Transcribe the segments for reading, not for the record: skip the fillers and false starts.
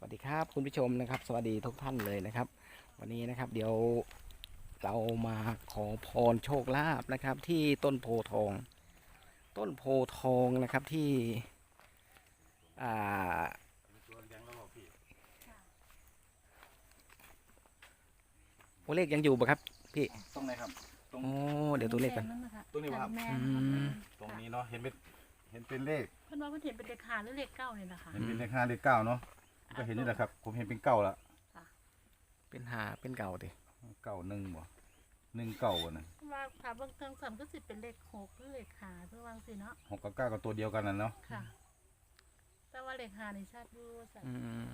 วัสดีครับคุณผู้ชมนะครับสวัสดีทุกท่านเลยนะครับวันนี้นะครับเดี๋ยวเรามาขอพรโชคลาภนะครับที่ต้นโพทองนะครับที่อ่าตัวเลขยังอยู่ปะครับพี่ตรงไหนครับตรงโอ้เดี๋ยวตัวเลขกันตรงนี้ครับตรงนี้เนาะเห็นเป็นเลขเพิ่นว่าเพิ่นเห็นเป็นเลข5หรือเลข9นี่นะคะเห็นเป็นเลข5เลข9เนาะก็เห็นนี่แหละครับผมเห็นเป็นเก้าละเป็นหาเป็นเก่าดิ 91บ่19นะว่าถ้าเบิ่งเทิงซ้ํก็สิเป็นเลข6หรือเลข5คือว่าจังซี่เนาะ 6กับ9ก็ตัวเดียวกันน่ะเนาะค่ะแต่ว่าเลข5นี่ชัดอยู่ซั่น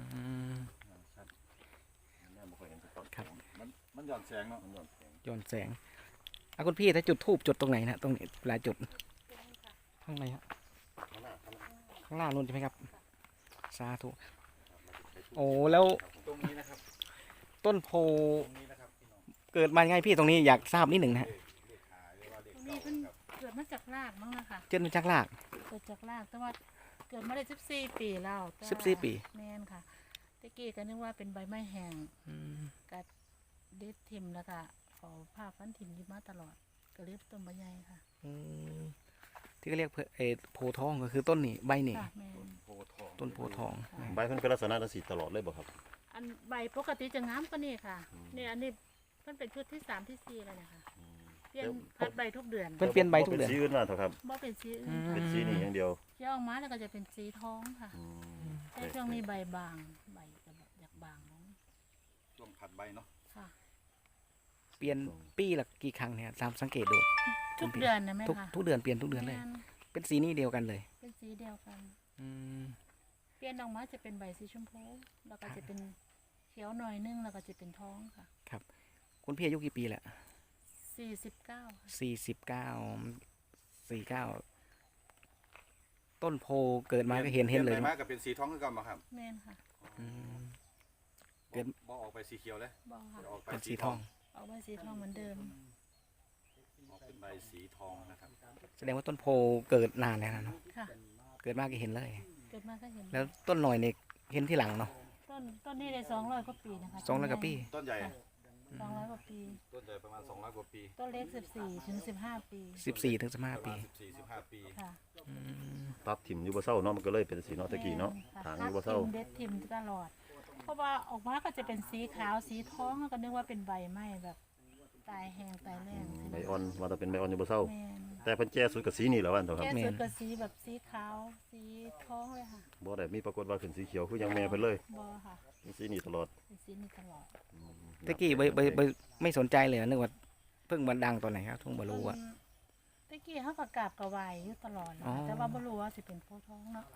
ครับมันหย่อนแสงเนาะย้อนแสงคุณพี่ถ้าจุดธูปจุดตรงไหนนะตรงนี้หลายจุดข้างในครับข้างหน้านู่นใช่ไหมครับสาธุโอ้แล้วตรงนี้นะครับต้นโพตรงนี้นะครับพี่น้องเกิดมายังไงพี่ตรงนี้อยากทราบนิดหนึ่งนะฮะตรงนี้เพิ่นเกิดมาจากรากมั้งนะคะเจนมาจากรากเกิดจากรากแต่ว่าเกิดมาได้14ปีแล้ว 14ปีแม่นค่ะตะกี้ก็นึกว่าเป็นใบไม้แห้งกัดเด็ดทิ่มแล้วก็เอาผ้าพันทิ่มอยู่มาตลอดก็เลยต้นใบใหญ่ค่ะที่เขาเรียกโพทองก็คือต้นนี่ใบนี่ต้นโพทองใบมันเป็นลักษณะสีตลอดเลยบ่ครับอันใบปกติจะงามกว่านี้ค่ะเนี่ยอันนี้มันเป็นชุดที่3ที่4แล้วเนี่ยค่ะเปลี่ยนพัดใบทุกเดือนเปลี่ยนใบทุกเดือนเป็นสีอื่นมาเถอะครับบ่เป็นสีอื่นเป็นสีนี้อย่างเดียวเกี่ยวออกมาแล้วก็จะเป็นสีทองค่ะแต่ช่วงนี้ใบบางใบจะอยากบางลงช่วงผัดใบเนาะค่ะเปลี่ยนปีละกี่ครั้งเนี่ยตามสังเกตดูทุกเดือนนะแม่ค่ะทุกเดือนเปลี่ยนทุกเดือนเลยเป็นสีนี้เดียวกันเลยเป็นสีเดียวกันเปลี่ยนออกมาจะเป็นใบสีชมพูแล้วก็จะเป็นเขียวหน่อยนึงแล้วก็จะเป็นทองค่ะครับคุณพี่อายุกี่ปีแหละ49ต้นโพเกิดมาก็เห็นเลยมากับเป็นสีทองคือกันบ่ครับแม่นค่ะเกิดบ่ออกไปสีเขียวเลยบ่ค่ะออกไปเป็นสีทองออกไปสีทองเหมือนเดิมออกเป็นใบสีทองนะครับแสดงว่าต้นโพเกิดนานแล้วนะเนาะค่ะเกิดมาก็เห็นเลยเกิดมาก็เห็นแล้วต้นหน่อยเนี่ยเห็นที่หลังเนาะต้นนี้ได้200 กว่าปีนะคะ 200 กว่าปีต้นใหญ่ 200 กว่าปีต้นใหญ่ประมาณ200 กว่าปีต้นเล็ก14 ถึง 15 ปี 14 ถึง 15 ปี 14-15 ปีค่ะตัดถิ่มอยู่บ่เศร้าเนาะมันก็เลยเป็นสีเนาะตะกี้เนาะทางอยู่บ่เศร้าเด็ดทิ่มตลอดเพราะว่าออกมาก็จะเป็นสีขาวสีทองก็นึกว่าเป็นใบไม้แบบตายแห้งตายแรงใบอ่อนว่าจะเป็นใบอ่อนอยู่บ่เศร้าแต่เพิ่นแก้สุดกับสีนี่แหละว่าเถอะครับแก้สุดกับสีแบบสีขาวสีทองเลยค่ะบ่ได้มีปรากฏว่าขึ้นสีเขียวคือยังแม่เพิ่นเลยบ่ค่ะสีนี่ตลอดสีนี่ตลอดตะกี้ไม่สนใจเลยนึกว่าเพิ่งมาดังตอนไหนครับทุ่งบ่รู้อะตะกี้เขาก็กราบกระวายอยู่ตลอดแต่ว่าบ่รู้ว่าสิเป็นโพทองเนาะ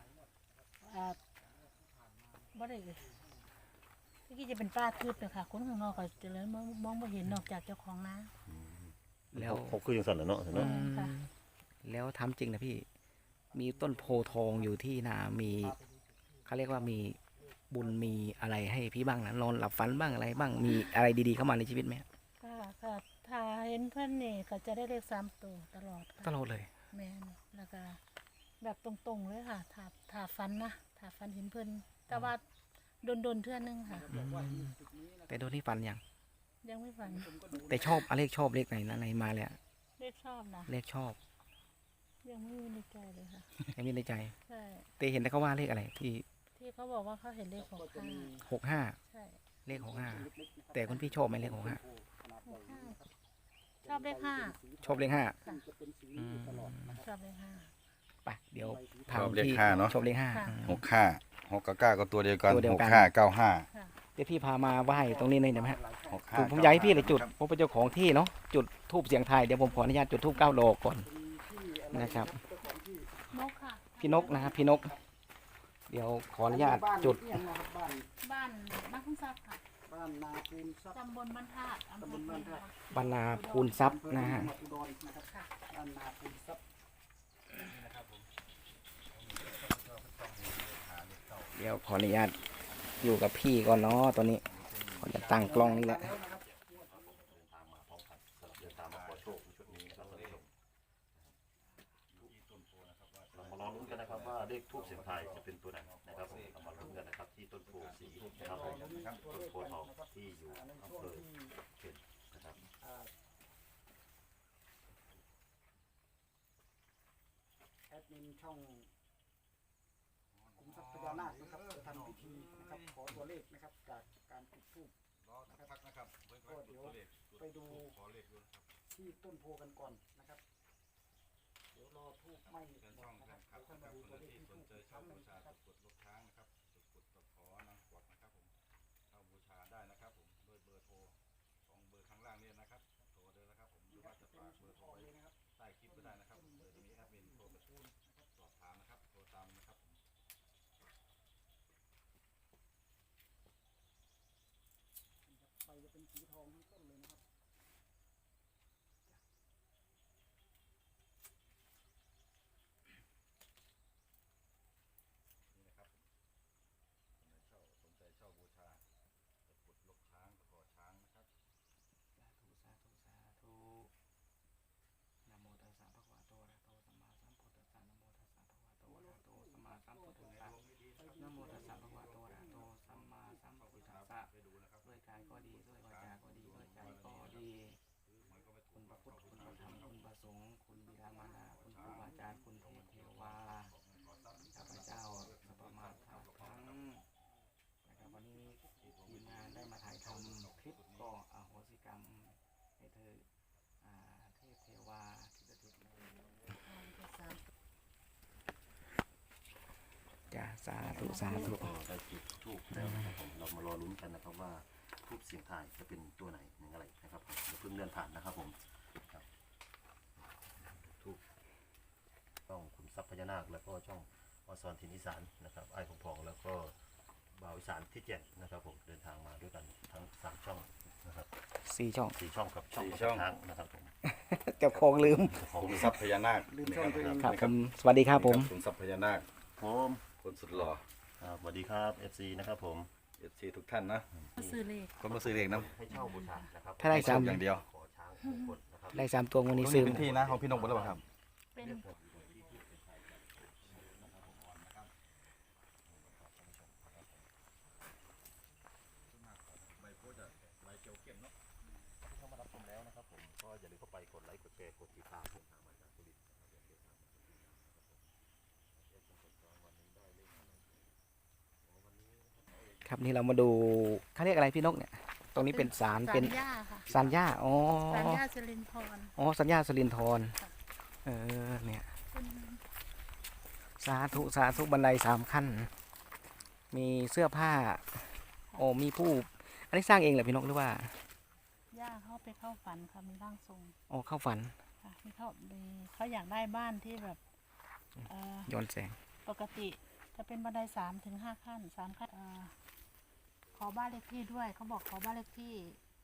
บ่ได้ตะกี้จะเป็นป่าทึบเลยค่ะคนข้างนอกก็จะเลยมองบ่เห็นนอกจากเจ้าของนาแล้วเขาคือจังซั่นแหละเนาะแล้วทำจริงนะพี่มีต้นโพทองอยู่ที่นามีเขาเรียกว่ามีบุญมีอะไรให้พี่บ้างนะนอนหลับฝันบ้างอะไรบ้างมีอะไรดีๆเข้ามาในชีวิตไหมค่ะถ้าเห็นเพื่อนนี่ก็จะได้เลข3 ตัวตลอดเลยแม่นแล้วก็แบบตรงๆเลยค่ะถ้าฝันนะถ้าฝันเห็นเพื่อนแต่ว่าโดนเทื่อนึงค่ะแต่โดนที่ฝันยังไม่ฝันแต่ชอบเลขไหนนะไหนมาเลยเลขชอบนะเลขชอบยังไม่มีในใจเลยค่ะยังมีในใจใช่แต่เห็นแต่เขาว่าเลขอะไรที่เขาบอกว่าเขาเห็นเลข 65ใช่เลข65แต่คุณพี่ชอบไหมเลข65 ชอบเลข5 ชอบเลข5 ชอบเลข 5ไปเดี๋ยวชอบเลข5เนาะชอบเลข5 6กับ9ก็ตัวเดียวกัน6595 เดี๋ยวพี่พามาไหว้ตรงนี้เลยได้ไหมฮะผมอยากให้พี่เลยจุดผมเป็นเจ้าของที่เนาะจุดธูปเสียงไทยเดี๋ยวผมขออนุญาตจุดธูป9 ดอกก่อนนะครับพี่นกนะครับพี่นกเดี๋ยวขออนุญาตจุดบ้านนาพูนทรัพย์ค่ะบ้านนาพูนทรัพย์ตำบลบ้านธาตุบ้านนาพูนทรัพย์นะฮะบ้านนาพูนทรัพย์เดี๋ยวขออนุญาตอยู่กับพี่ก่อนเนาะตอนนี้ขอจะตั้งกล้องนี่แหละลองลุ้นกันนะครับว่าเลขทูปเสียงไทยจะเป็นตัวไหนนะครับผมมาลุ้นกันนะครับที่ต้นโพสีนะครับต้นโพธิ์ทองที่อยู่อำเภอเข็ดนะครับแอดมินช่องขุมทรัพย์พญานาคนะครับจะทำพิธีนะครับขอตัวเลขนะครับจากการจุดธูปรอสักพักนะครับเบิ่งก่อนจุดตัวเลขไปดูขอเลขด้วยนะครับที่ต้นโพกันก่อนนะครับ เดี๋ยวรอทูบไหม้เชิญหมช่อดงนะแฟครับนคลัเดี๋บยวค่อยนะมาครับดูคตัวน เลขที่ที่สทูนบใจอีกคเช่ารั้งหบูนึ่งชานะครับตะกรุดรถช้างนะครับตะกรุดตะขอนางกวักนะครับผมเข้าบูชาได้นะครับผมโดยเบอร์โทร2 เบอร์ข้างล่างเนี่ยนะครับโทรเลยนะครับผมหรือว่าจะฝากเบอร์โทรไว้ใต้คลิปก็ได้นะครับเดี๋ยวจะมีแอดมินโทรมาสอบถามนะครับโทรตามนะครับผมไฟจะเป็นสีทองทั้งต้นเลยนะครับนี่นะครับสนใจเช่าบูชาตะกรุดลกช้างตะขอช้างนะครับสาธุสาธุสาธุนะโมตัสสะภะคะวะโตอะระหะโตสัมมาสัมพุทธัสสะนะโมตัสสะภะคะวะโตอะระหะโตสัมมาสัมพุทธัสสะนะโมตัสสะภะคะวะโตอะระหะโตสัมมาสัมพุทธัสสะไปดูนะครับด้วยกายก็ดีด้วยวาจาก็ดีด้วยใจก็ดีคุณพระพุทธคุณพระธรรมคุณพระสงฆ์คุณบิดามารดาคุณครูบาอาจารย์คุณเทพเทวาข้าพเจ้าสัพพมาทาทั้งนะครับวันนี้ทีมงานได้มาถ่ายทำคลิปก็อโหสิกรรมให้เธอเทพเทวาที่สถิตจ้าสาธุสาธุก็ได้จุดทูบแล้วนะครับผมเรามารอลุ้นกันนะครับว่าทูบเสียงทายจะเป็นตัวไหนหนึ่งอะไรนะครับผมอย่าเพิ่งเลื่อนผ่านนะครับผมครับทูบช่องขุมทรัพย์พญานาคแล้วก็ช่องอสรทินอีสานนะครับไอ้ของพองแล้วก็บ่าวอีสานที่7นะครับผมเดินทางมาด้วยกันทั้ง3ช่องนะครับ 4 ช่อง 4ช่องกับช่อง 4 ช่องทางนะครับผมเก็บของลืมขุมทรัพย์พญานาคลืมช่องตัวเองครับผมสวัสดีครับผมขุมทรัพย์พญานาคผมคนสุดหล่อสวัสดีครับ FC นะครับผม FC ทุกท่านนะก็ซื้อเลขคนมาซื้อเลขนะให้เช่าบูชานะครับถ้าได้โชคอย่างเดียวขอช้างมงคลนะครับได้3 ตัววันนี้ตรงซื้นี้อเป็นที่นะของพี่นกหมดแล้วเปล่าครับเป็นเข้ามารับชมแล้วนะครับผมก็อย่าลืมเข้าไปกดไลค์กดแชร์กดติดตามผมทางมาจากสุรินทร์นะครับอย่าเสียทางวันนี้ได้เลขอะไรวันนี้นะครับครับนี่เรามาดูเขาเรียกอะไรพี่นกเนี่ย ตรงนี้เป็นศาลเป็นสัญญาค่ะสัญญาอ๋อสัญญาสิรินทรอ๋อสัญญาสลินทรค่ะเนี่ยเป็นสาธุสาธุบันได3 ขั้น มีเสื้อผ้าโอ้มีผู้อันนี้สร้างเองเหรอพี่นกหรือว่าย่าเขาไปเข้าฝันค่ะมีร่างทรงอ๋อเข้าฝันค่ะเขาอยากได้บ้านที่แบบย้อนแสงปกติจะเป็นบันได3 ถึง 5 ขั้น3 ขั้นขอบ้านเลขที่ด้วยเขาบอกขอบ้านเลขที่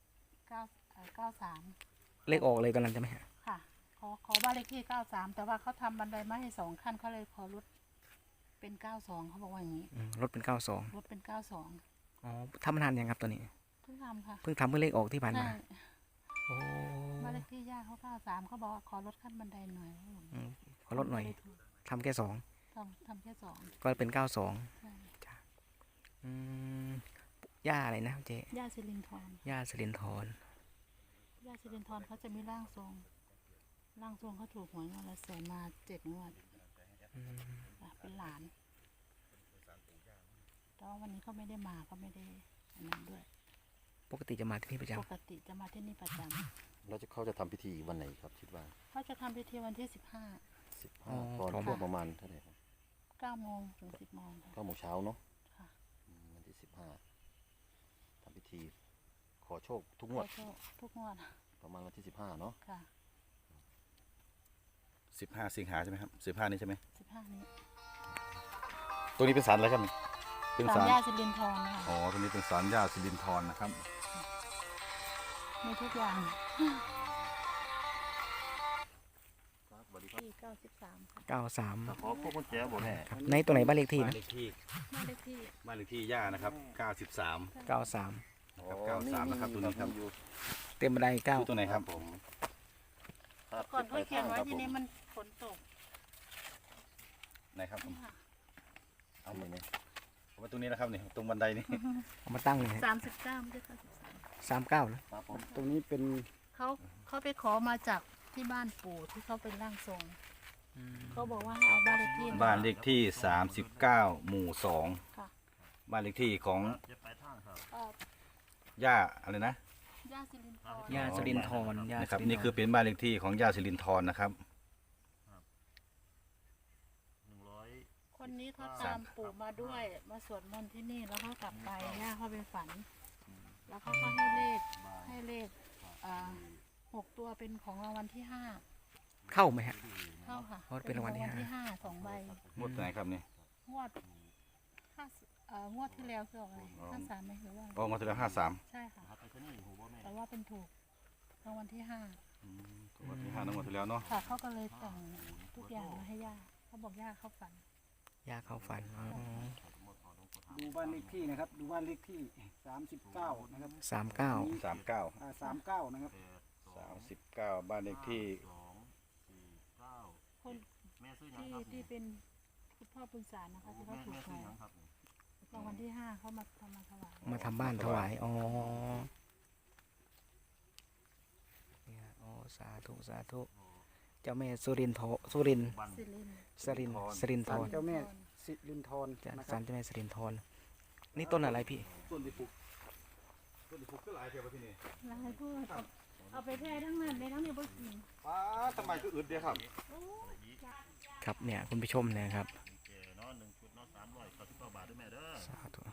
93 เลขออกเลยกำลังจะไหมฮะค่ะขอบ้านเลขที่93แต่ว่าเขาทำบันไดมาให้2 ขั้นเขาเลยขอลดเป็น92เขาบอกว่าอย่างนี้รถเป็น92 ลดเป็น92 อ๋อทำมานานยังครับตัวนี้เพิ่งทำค่ะเพิ่งทำเมื่อเลขออกที่ผ่านมาใช่โอ้บ้านเลขที่ย่าเขา93เขาบอกว่าขอลดขั้นบันไดหน่อยขอลดหน่อยทำแค่2 ทำแค่2 ก็เป็น92 ใช่อืมย่าอะไรนะเจ๊ย่าสิรินทรย่าสลินทรย่าสิรินทรเขาจะมีร่างทรงเขาถูกหวยงวดละแสนมา7 งวดค่ะเป็นหลานแต่ว่าวันนี้เขาไม่ได้มาก็ไม่ได้อันนั้นด้วยปกติจะมาที่นี่ประจปกติจะมาที่นี่ประจแล้วเขาจะทำพิธีวันไหนครับคิดว่าำเขาจะทำพิธีวันที่ 15ตอนช่วงประมาณเท่าไหร่ครับ 9 โมงถึง 10 โมงค่ะ 9 โมงเช้าเนาะค่ะวันที่15ทำพิธีขอโชคทุกงขวอดโชคทุกงวดประมาณวันที่15เนาะค่ะ 15 สิงหาใช่ไหมครับ15นี้ใช่ไหม 15 นี้ตัวนี้เป็นศาลอะไรครับนี่เป็นศาศาลลย่าสิรินทรค่ะอ๋อตัวนี้เป็นศาลย่าสิรินทรนะครับมีทุกอย่างสวัสดีครับที่93ค่ะ 93 ขอพวกกุญแจบ่แม่ครับในตัวไหนบ้านเลขที่บ้านนะเลขที่บ้านเลขที่บ้านเลขที่ย่านะครับ93 93 ครับ93นะครับตัวนี้ครับเต็มบันไดคือตัวไหนครับผมก่อนเขาเขียนไว้ทีนี้มันฝนตกไหนครับผมนี่ค่ะเอาเลยเนี่ยผมไปมาตรงนี้นะครับนี่ตรงบันไดนี่เอามาตั้งเลย 39ไม่ใช่93 39แล้วครับผมตรงนี้เป็นเขาไปขอมาจากที่บ้านปู่ที่เขาเป็นร่างทรงเขาบอกว่าให้เอาบ้านเลขที่บ้านเลขที่ 39 หมู่ค่ะ 2 บ้านเลขที่ของเอ่อย่าอะไรนะย่าสิรินทร์ย่าสุรินทร์ย่านะครับสุรินทร์นี่คือเป็นบ้านเลขที่ของย่าสิรินทร์นะครับคนนี้เขาตามปู่มาด้วยมาสวดมนต์ที่นี่แล้วเขากลับไปย่าเขาไปฝัน แล้วเขาก็ให้เลข6 ตัวเป็นของรางวัลที่เข้าไหมฮะ 5เข้าค่ะอ๋อเป็นรางวัลที่ 5 2 ใบงวดไหนครับนี่งวดงวดที่แล้วคือออกอะไร53ไหมหรือว่าอ๋องวดที่แล้ว53 ใช่ค่ะแต่ว่าเป็นถูกรางวัลที่งวดที่5นะงวดที่แล้วเนาะ 5ค่ะเขาก็เลยแต่งทุกอย่างมาให้ย่าเขาบอกย่าเขาฝันย่าเข้าฝันอ๋อดูบ้านเลขที่นะครับ ดูบ้านเลขที่39นะครับ 39 39 39นะครับบ้านเลขที่คนที่เป็นคุณพ่อปุณสารนะคะที่เขาถูกหวยรางวัลที่ 5เขามาทำมาถวายมาทำบ้านถวายอ๋อเนี่ยอ๋อสาธุสาธุเจ้าแม่สุรินทร์สุรินทร์สิรินทร์สรินทร์สรินทศาลร์เจ้าแม่สิรินทรจ้ะนะคศารับลเจ้าแม่สรินทร์นี่ต้นอะไรพี่ต้นที่ปลูกก็หลายเท่าที่นี่ลายพูดเอาไปแพร่ทั้งนั้นในทั้งนี้บ่กินป้าทำไมก็อึดเดียวครับครับเนี่ยคุณผู้ชมเนะครับสาธุ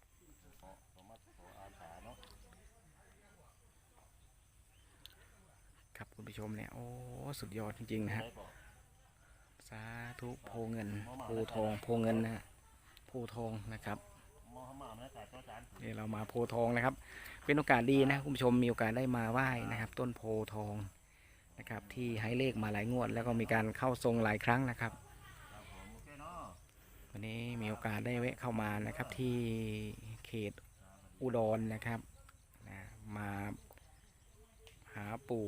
ครับคุณผู้ชมเนี่ยโอ้สุดยอดจริงๆนะฮะสาธุโพเงินโพทองโพเงินนะฮะโพทองนะครับเดี๋ยวเรามาโพทองนะครับ เป็นโอกาสดีนะคุณผู้ชมมีโอกาสได้มาไหว้นะครับ ต้นโพทองนะครับที่ให้เลขมาหลายงวด แล้วก็มีการเข้าทรงหลายครั้งนะครับวันนี้มีโอกาสได้แวะเข้ามานะครับที่เขตอุดรนะครับนะมาหาปู่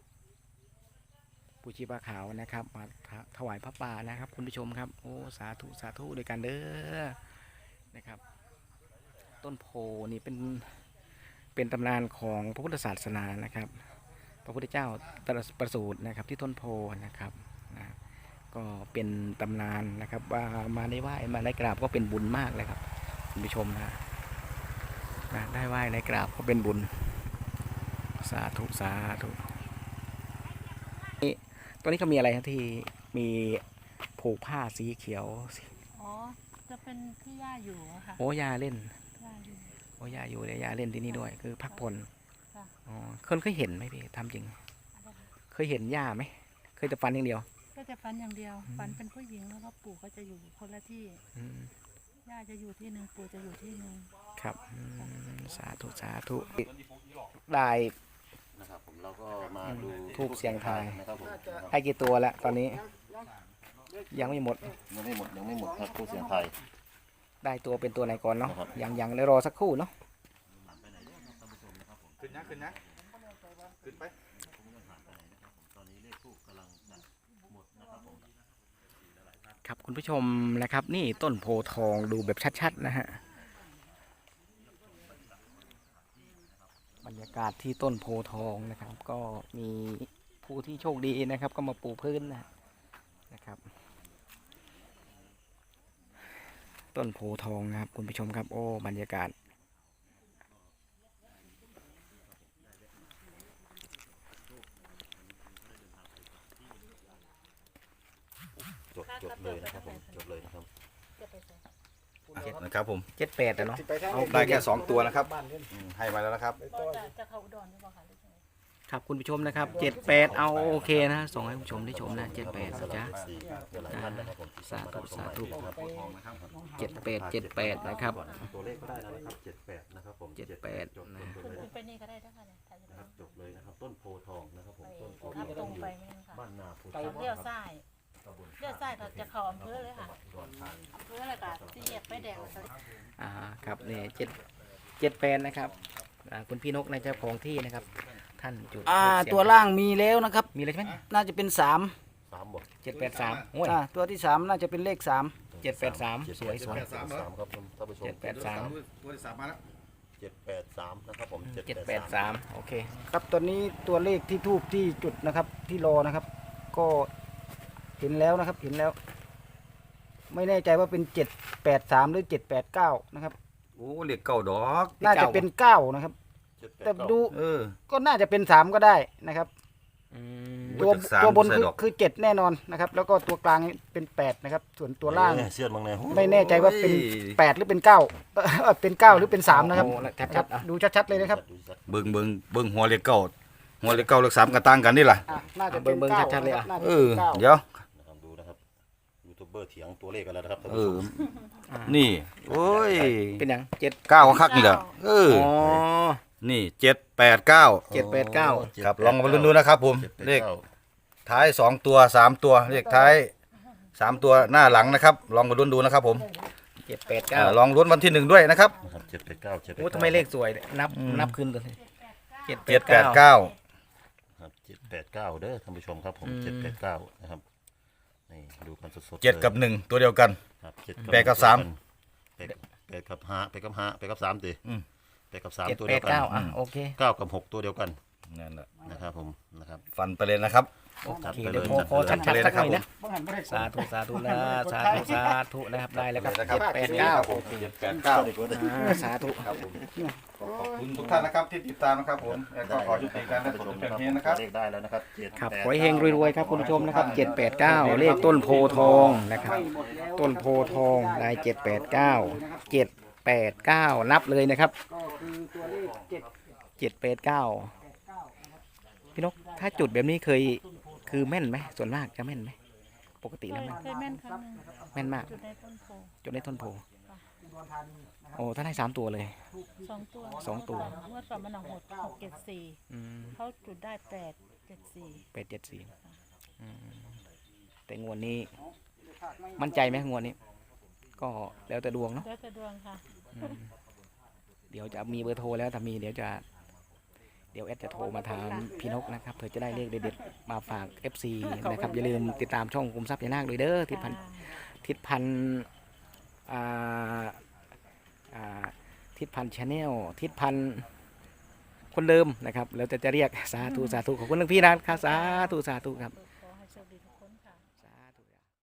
ชีพาขาวนะครับมาถวายพระป่านะครับคุณผู้ชมครับโอ้สาธุสาธุด้วยกันเด้อนะครับต้นโพนี่เป็นตำนานของพระพุทธศาสนานะครับพระพุทธเจ้าตรัสประสูตินะครับที่ต้นโพนะครับนะก็เป็นตำนานนะครับว่ามาได้ไหว้มาได้กราบก็เป็นบุญมากเลยครับคุณผู้ชมนะได้ไหว้ได้กราบก็เป็นบุญสาธุสาธุนี่ตอนนี้เขามีอะไรครับที่มีผูกผ้าสีเขียวอ๋อจะเป็นที่ย่าอยู่อะค่ะโอ้ยาเล่นย่าอยู่โอ้ยาอยู่เลยยาเล่นที่นี่ด้วยคือพักผ่อนค่ะอ๋อเคยเห็นไหมพี่ทำจริงอะไรคะเคยเห็นย่าไหมเคยแต่ฟันอย่างเดียวก็จะฝันอย่างเดียวฝันเป็นผู้หญิงแล้วก็ปู่ก็จะอยู่คนละที่อืมย่าจะอยู่ที่หนึ่งปู่จะอยู่ที่หนึ่งครับสาธุสาธุได้นะครับผมเราก็มาดูทูบเสียงทายนะครับผมให้กี่ตัวแล้วตอนนี้ยังไม่หมดยังไม่หมดครับผู้เสียงไทยได้ตัวเป็นตัวไหนก่อนเนาะครับยังเลยรอสักครู่เนาะขึ้นนะขึ้นไปครับคุณผู้ชมนะครับ นี่ต้นโพทองดูแบบชัดๆนะฮะบรรยากาศที่ต้นโพทองนะครับ ก็มีผู้ที่โชคดีนะครับ ก็มาปูพื้นนะครับ ต้นโพทองนะครับคุณผู้ชมครับโอ้บรรยากาศจบเลยนะครับผมจบเลยนะครับจะไปใส่นะครับผม 78อะเนาะสิไปทางเอาได้แค่2ตัวนะครับบ้านเล่นให้มาแล้วนะครับไปก็ต่อจะเข้าอุดรหรือเปล่าคะหรือยังไงครับคุณผู้ชมนะครับ78เอาโอเคนะส่งให้คุณผู้ชมได้ชมนะ78นะจ๊ะหลายท่านนะครับผมที่สาธุสาธุครับ 78นะครับตัวเลขก็ได้แล้วนะครับ78นะครับผม 78 จบนะขึ้นไปนี่ก็ได้นะคะเนี่ยถ่ายนะครับจบเลยนะครับต้นโพทองนะครับผมต้นโพทับทตรอง งไปไหมคะบ้านนาโพเลี้ยวซ้ายเลี้ยวซ้ายเราจะเข้าอำเภอเลยค่ะอำเภอแล้วก็สี่แยกไฟแดงแล้วก็ครับนี่78นะครับคุณพี่นกในเจ้าของที่นะครับ ท่านจุดธูปเสียงตัวล่างมีแล้วนะครับมีอะไรใช่ไหมน่าจะเป็น3 3บท 783โอ้ยตัวที่3น่าจะเป็นเลข3 783สวยสวย 783ครับท่านผู้ชม 783 ตัวที่สามมาแล้ว 783นะครับผม 783โอเคครับตอนนี้ตัวเลขที่ทูบที่จุดนะครับที่รอนะครับ ก็เห็นแล้วนะครับเห็นแล้ว ไม่แน่ใจว่าเป็น783หรือ789นะครับโอ้เหล็กเก่าดอกน่าจะเป็น9นะครับ แต่ดู ก็น่าจะเป็น3ก็ได้นะครับ ตัวตัวบนคือ7แน่นอนนะครับ แล้วก็ตัวกลางเป็น8นะครับส่วนตัวล่างเสี้ยนบางแนวไม่แน่ใจว่าเป็น8หรือเป็น9เป็น9หรือเป็น3นะครับโอ้ชัดๆอ่ะดูชัดๆเลยนะครับเบิ่งหัวเหล็กเก่าหัวเหล็กเก่าเหล็กสามกระตั้งกันนี่ล่ะน่าจะเป็นเบิ่ง 9 ชัดๆเลยอ่ะน่าจะเอเป็นอ 9 เดี๋ยวนะครับดูนะครับยูทูบเบอร์เถียงตัวเลขกันแล้วนะครับท่านเอผู้ชอมนี่โอ้ยเป็นหยัง7 เก้าคักนี่แหละเอออ๋อนี่789 789 ครับลองมาลุ้นดูนะครับผมเลขท้าย2ตัว3ตัวเลขท้าย3ตัวหน้าหลังนะครับ ลองมาลุ้นดูนะครับผม 789 ลองลุ้นวันที่1ด้วยนะครับนะครับ789 โอ้ทำไมเลขสวยเนี่ยนับขึ้นกันเลย789 ครับ789เด้อท่านผู้ชมครับผม789นะครับนี่ดูกันสดๆ 7กับ1ตัวเดียวกันครับ 8กับ3 8กับ5 8กับ5 8กับ3ติอืม 8กับ3ตัวเดียวกัน 789อ่ะโอเค 9กับ6ตัวเดียวกันนั่นแหละนะครับผมนะครับฟันไปเลยนะครับโอจัดเคไปเลยเดี๋ยวขอจัชัดดไปเลยๆสักหน่อยนะบ้างหันบ่ได้สาธุสาธุนะสาธุสาธุนะครับได้แล้วครับได้แล้วครับ 789สาธุครับผมขอบคุณทุกท่านนะครับที่ติดตามนะครับผมแล้วก็ขอยุติการได้ผลเพียงเท่านี้นะครับเลขได้แล้วนะครับครับขอให้เฮงรวยๆครับคุณผู้ชมนะครับ789เลขต้นโพธิ์ทองนะครับ ต้นโพธิ์ทองได้789 789นับเลยนะครับก็คือตัวเลข 789พี่นกถ้าจุดแบบนี้คือแม่นไหมส่วนมากจะแม่นไหมปกติแล้วแม่นเคยแม่นครั้งหนึ่งแม่นมากจุดในต้นโพจุดในต้นโพอุดรธานีนะครับโอ้ถ้าได้3ตัวเลย 2 ตัวสองตัวเมื่อก่อนมันหก674 อืมเขาจุดได้874 874แต่งวดนี้มั่นใจไหมงวดนี้ ก็แล้วแต่ดวงเนาะแล้วแต่ดวงค่ะอืมเดี๋ยวจะมีเบอร์โทรแล้วถ้ามีเดี๋ยวแอดจะโทรมาถามพี่นกนะครับเผื่อจะได้เลขเด็ดๆมาฝาก FC นะครับอย่าลืมติดตามช่องคุมทรัพย์ยานาคเลยเด้อทิศพันทิศพันชาแนลทิศพันคนเดิมนะครับแล้วจะเรียกสาธุสาธุขอบคุณหลวงพี่นะครับสาธุสาธุครับขอให้โชคดีทุก